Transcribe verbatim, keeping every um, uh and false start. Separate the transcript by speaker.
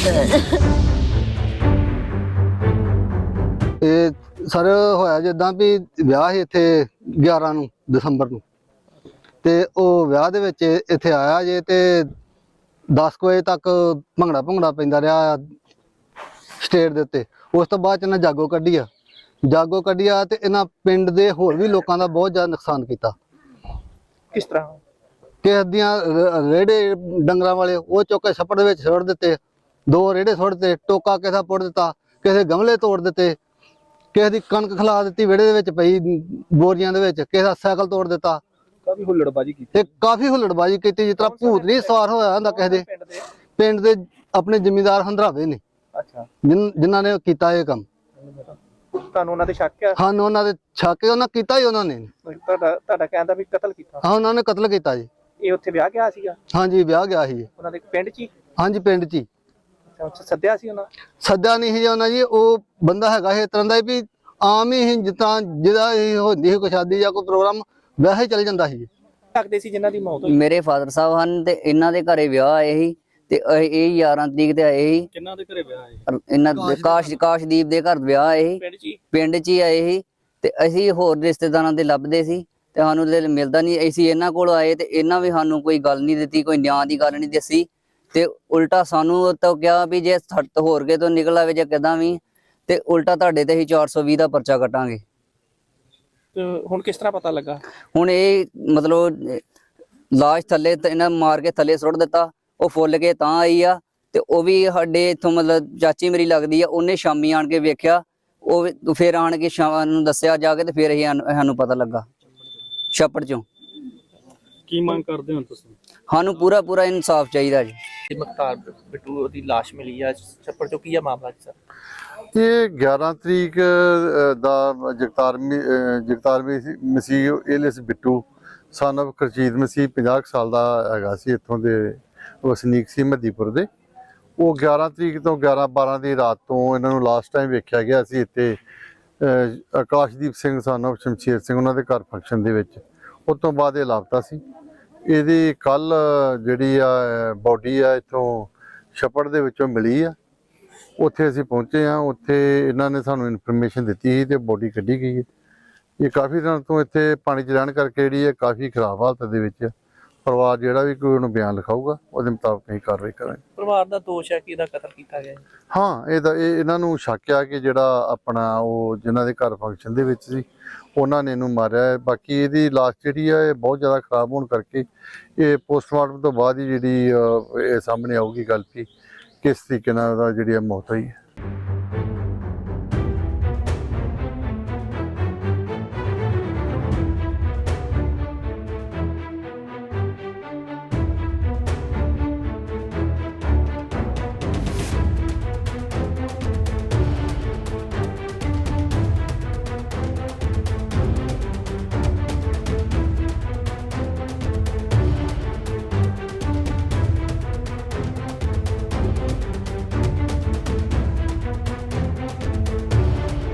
Speaker 1: ਇਹ ਸਰ ਹੋਇਆ ਜਿੱਦਾਂ ਵੀ ਵਿਆਹ ਸੀ ਇੱਥੇ ਗਿਆਰਾਂ ਨੂੰ ਦਸੰਬਰ ਨੂੰ, ਤੇ ਉਹ ਵਿਆਹ ਦੇ ਵਿੱਚ ਇੱਥੇ ਆਇਆ ਜੇ ਤੇ ਦਸ ਕੁ ਵਜੇ ਤੱਕ ਭੰਗੜਾ ਭੰਗੜਾ ਪੈਂਦਾ ਰਿਹਾ ਸਟੇਜ ਦੇ ਉੱਤੇ। ਉਸ ਤੋਂ ਬਾਅਦ 'ਚ ਇਹਨਾਂ ਜਾਗੋ ਕੱਢੀ ਆ ਜਾਗੋ ਕੱਢੀ ਆ ਤੇ ਇਹਨਾਂ ਪਿੰਡ ਦੇ ਹੋਰ ਵੀ ਲੋਕਾਂ ਦਾ ਬਹੁਤ ਜ਼ਿਆਦਾ ਨੁਕਸਾਨ ਕੀਤਾ।
Speaker 2: ਕਿਸ ਤਰ੍ਹਾਂ?
Speaker 1: ਕਿਸੇ ਦੀਆਂ ਰੇੜੇ ਡੰਗਰਾਂ ਵਾਲੇ ਉਹ ਚੁੱਕ ਕੇ ਛੱਪੜ ਦੇ ਵਿੱਚ ਸੁੱਟ ਦਿੱਤੇ, ਦੋ ਰੇੜੇ ਸੁੱਟ ਦਿੱਤੇ, ਟੋਕਾ ਕਿਸੇ ਦਾ ਪੁੱਟ ਦਿੱਤਾ, ਕਿਸੇ ਗਮਲੇ ਤੋੜ ਦਿੱਤੇ, ਕਿਸੇ ਦੀ ਕਣਕ ਖਿਲਾ ਦਿੱਤੀ ਵਿਹੜੇ ਦੇ ਵਿੱਚ ਪਈ ਬੋਰੀਆਂ ਦੇ ਵਿੱਚ, ਕਿਸੇ ਦਾ ਸਾਈਕਲ ਤੋੜ ਦਿੱਤਾ।
Speaker 2: ਕਾਫੀ ਹੁੱਲੜਬਾਜੀ ਕੀਤੀ
Speaker 1: ਤੇ ਕਾਫੀ ਹੁੱਲੜਬਾਜੀ ਕੀਤੀ, ਜਿਸ ਤਰ੍ਹਾਂ ਭੂਤ ਨਹੀਂ ਸਵਾਰ ਹੋਇਆ ਹੁੰਦਾ ਕਿਸੇ ਦੇ। ਪਿੰਡ ਦੇ ਆਪਣੇ ਜ਼ਿਮੀਂਦਾਰ ਹੰਦਰਾਵੇ ਨੇ
Speaker 2: ਅੱਛਾ
Speaker 1: ਜਿਨ੍ਹਾਂ ਨੇ ਕੀਤਾ ਇਹ ਕੰਮ।
Speaker 2: ਤੁਹਾਨੂੰ ਉਹਨਾਂ ਤੇ ਸ਼ੱਕ ਹੈ?
Speaker 1: ਹਾਂ, ਉਹਨਾਂ ਦੇ ਛਾਕੇ ਉਹਨਾਂ ਕੀਤਾ ਹੀ ਉਹਨਾਂ ਨੇ।
Speaker 2: ਤੁਹਾਡਾ ਤੁਹਾਡਾ ਕਹਿੰਦਾ ਵੀ ਕਤਲ ਕੀਤਾ?
Speaker 1: ਹਾਂ, ਉਹਨਾਂ ਨੇ ਕਤਲ ਕੀਤਾ ਜੀ।
Speaker 2: ਇਹ ਉੱਥੇ ਵਿਆਹ ਗਿਆ ਸੀਗਾ?
Speaker 1: ਹਾਂਜੀ, ਵਿਆਹ ਗਿਆ ਸੀ
Speaker 2: ਉਹਨਾਂ ਦੇ ਪਿੰਡ 'ਚ ਹੀ?
Speaker 1: ਹਾਂਜੀ, ਪਿੰਡ 'ਚ ਹੀ।
Speaker 2: ਅੱਛਾ, ਸੱਦਿਆ ਸੀ ਉਹਨਾਂ?
Speaker 1: ਸੱਦਿਆ ਨਹੀਂ ਸੀ ਉਹਨਾਂ ਜੀ, ਉਹ ਬੰਦਾ ਹੈਗਾ ਇਸ ਤਰ੍ਹਾਂ ਦਾ ਵੀ ਆਮ ਹੀ ਜਿਸ ਤਰ੍ਹਾਂ ਜਿਹਦਾ ਹੀ ਹੁੰਦੀ ਸੀ ਕੋਈ ਸ਼ਾਦੀ ਜਾਂ ਕੋਈ ਪ੍ਰੋਗਰਾਮ ਵੈਸੇ ਚੱਲ ਜਾਂਦਾ ਸੀ।
Speaker 2: ਲੱਗਦੇ ਸੀ ਜਿਨ੍ਹਾਂ ਦੀ ਮੌਤ ਹੋਈ?
Speaker 3: ਮੇਰੇ ਫਾਦਰ ਸਾਹਿਬ ਹਨ ਤੇ ਇਹਨਾਂ ਦੇ ਘਰੇ ਵਿਆਹ ਆਏ ਸੀ ਤੇ ਇਹ ਗਿਆਰਾਂ ਤਰੀਕ ਤੇ ਆਏ ਸੀ।
Speaker 2: ਕਿੰਨਾਂ ਦੇ ਘਰੇ ਵਿਆਹ ਆਏ?
Speaker 3: ਇਹਨਾਂ ਦੇ ਕਾਸ਼ ਕਾਸ਼ਦੀਪ ਦੇ ਘਰ ਵਿਆਹ ਆਏ ਸੀ,
Speaker 2: ਪਿੰਡ 'ਚ ਹੀ?
Speaker 3: ਪਿੰਡ 'ਚ ਹੀ ਆਏ ਸੀ। ਤੇ ਅਸੀਂ ਹੋਰ ਰਿਸ਼ਤੇਦਾਰਾਂ ਦੇ ਲੱਭਦੇ ਸੀ ਤੇ ਸਾਨੂੰ ਮਿਲਦਾ ਨਹੀਂ। ਅਸੀਂ ਇਹਨਾਂ ਕੋਲ ਆਏ ਤੇ ਇਹਨਾਂ ਵੀ ਸਾਨੂੰ ਕੋਈ ਗੱਲ ਨਹੀਂ ਦਿੱਤੀ, ਕੋਈ ਨਿਆਂ ਦੀ ਗੱਲ ਨਹੀਂ ਦੱਸੀ ਤੇ ਉਲਟਾ ਸਾਨੂੰ ਤਾਂ ਕਿਹਾ ਵੀ ਜੇ ਹੋਰ ਕੇ ਤੋਂ ਨਿਕਲ ਆਵੇ ਜਾਂ ਕਿਦਾਂ ਵੀ ਤੇ ਉਲਟਾ ਤੁਹਾਡੇ ਤੇ ਅਸੀਂ ਚਾਰ ਸੌ ਵੀਹ ਦਾ ਪਰਚਾ ਕੱਟਾਂਗੇ।
Speaker 2: ਤੇ ਹੁਣ ਕਿਸ ਤਰ੍ਹਾਂ ਪਤਾ ਲੱਗਾ?
Speaker 3: ਹੁਣ ਇਹ ਮਤਲਬ ਲਾਸ਼ ਥੱਲੇ ਇਹਨਾਂ ਮਾਰ ਕੇ ਥੱਲੇ ਸੁੱਟ ਦਿੱਤਾ, ਉਹ ਫੁੱਲ ਕੇ ਤਾਂ ਆਈ ਆ। ਤੇ ਉਹ ਵੀ ਸਾਡੇ ਇੱਥੋਂ ਮਤਲਬ ਚਾਚੀ ਮੇਰੀ ਲੱਗਦੀ ਆ, ਉਹਨੇ ਸ਼ਾਮੀ ਆਣ ਕੇ ਵੇਖਿਆ, ਉਹ ਫਿਰ ਆਣ ਕੇ ਸ਼ਾਮ ਨੂੰ ਦੱਸਿਆ ਜਾ ਕੇ ਤੇ ਫਿਰ ਇਹ ਸਾਨੂੰ ਪਤਾ ਲੱਗਾ ਛੱਪੜ ਚੋਂ।
Speaker 2: ਕੀ ਮੰਗ ਕਰਦੇ ਹੋ ਤੁਸੀਂ?
Speaker 3: ਸਾਨੂੰ ਪੂਰਾ ਪੂਰਾ ਇਨਸਾਫ ਚਾਹੀਦਾ ਜੀ।
Speaker 2: ਮੁਖਤਾਰ ਬਿੱਟੂ ਦੀ ਲਾਸ਼ ਮਿਲੀ ਆ ਛੱਪੜ ਚੋਂ, ਕੀ ਆ ਮਾਮਲਾ ਜੀ ਸਰ?
Speaker 4: ਇਹ ਗਿਆਰਾਂ ਤਰੀਕ ਦਾ Jagtar Jagtar Masih Ellis Bittu son of Karjit Masih ਪੰਜਾਹ ਸਾਲ ਦਾ ਹੈਗਾ ਸੀ, ਇੱਥੋਂ ਦੇ ਵਸਨੀਕ ਸੀ ਮੱਦੀਪੁਰ ਦੇ। ਉਹ ਗਿਆਰਾਂ ਤਰੀਕ ਤੋਂ ਗਿਆਰਾਂ ਬਾਰਾਂ ਦੀ ਰਾਤ ਤੋਂ ਇਹਨਾਂ ਨੂੰ ਲਾਸਟ ਟਾਈਮ ਵੇਖਿਆ ਗਿਆ ਸੀ ਇੱਥੇ ਆਕਾਸ਼ਦੀਪ ਸਿੰਘ ਸਨ ਆਫ ਸ਼ਮਸ਼ੇਰ ਸਿੰਘ ਉਹਨਾਂ ਦੇ ਘਰ ਫੰਕਸ਼ਨ ਦੇ ਵਿੱਚ। ਉਸ ਤੋਂ ਬਾਅਦ ਇਹ ਲਾਪਤਾ ਸੀ। ਇਹਦੀ ਕੱਲ ਜਿਹੜੀ ਆ ਬੋਡੀ ਆ ਇੱਥੋਂ ਛੱਪੜ ਦੇ ਵਿੱਚੋਂ ਮਿਲੀ ਆ। ਉੱਥੇ ਅਸੀਂ ਪਹੁੰਚੇ ਹਾਂ, ਉੱਥੇ ਇਹਨਾਂ ਨੇ ਸਾਨੂੰ ਇਨਫੋਰਮੇਸ਼ਨ ਦਿੱਤੀ ਸੀ ਤੇ ਬੋਡੀ ਕੱਢੀ ਗਈ ਹੈ। ਇਹ ਕਾਫੀ ਦਿਨ ਤੋਂ ਇੱਥੇ ਪਾਣੀ 'ਚ ਰਹਿਣ ਕਰਕੇ ਜਿਹੜੀ ਹੈ ਕਾਫੀ ਖਰਾਬ ਹਾਲਤ ਦੇ ਵਿੱਚ। ਪਰਿਵਾਰ ਜਿਹੜਾ ਵੀ ਕੋਈ ਉਹਨੂੰ ਬਿਆਨ ਲਿਖਾਊਗਾ ਉਹਦੇ ਮੁਤਾਬਕ ਅਸੀਂ ਕਾਰਵਾਈ ਕਰਾਂਗੇ।
Speaker 2: ਪਰਿਵਾਰ ਦਾ ਦੋਸ਼ ਹੈ ਕਿ ਇਹਦਾ ਕਤਲ ਕੀਤਾ ਗਿਆ?
Speaker 4: ਹਾਂ, ਇਹਦਾ ਇਹ ਇਹਨਾਂ ਨੂੰ ਸ਼ੱਕ ਆ ਕਿ ਜਿਹੜਾ ਆਪਣਾ ਉਹ ਜਿਨ੍ਹਾਂ ਦੇ ਘਰ ਫੰਕਸ਼ਨ ਦੇ ਵਿੱਚ ਸੀ ਉਹਨਾਂ ਨੇ ਇਹਨੂੰ ਮਾਰਿਆ ਹੈ। ਬਾਕੀ ਇਹਦੀ ਲਾਸ਼ ਜਿਹੜੀ ਆ ਇਹ ਬਹੁਤ ਜ਼ਿਆਦਾ ਖਰਾਬ ਹੋਣ ਕਰਕੇ ਇਹ ਪੋਸਟਮਾਰਟਮ ਤੋਂ ਬਾਅਦ ਹੀ ਜਿਹੜੀ ਇਹ ਸਾਹਮਣੇ ਆਊਗੀ ਗੱਲ ਵੀ ਕਿਸ ਤਰੀਕੇ ਨਾਲ ਉਹਦਾ ਜਿਹੜੀ ਮੌਤ ਹੋਈ ਹੈ।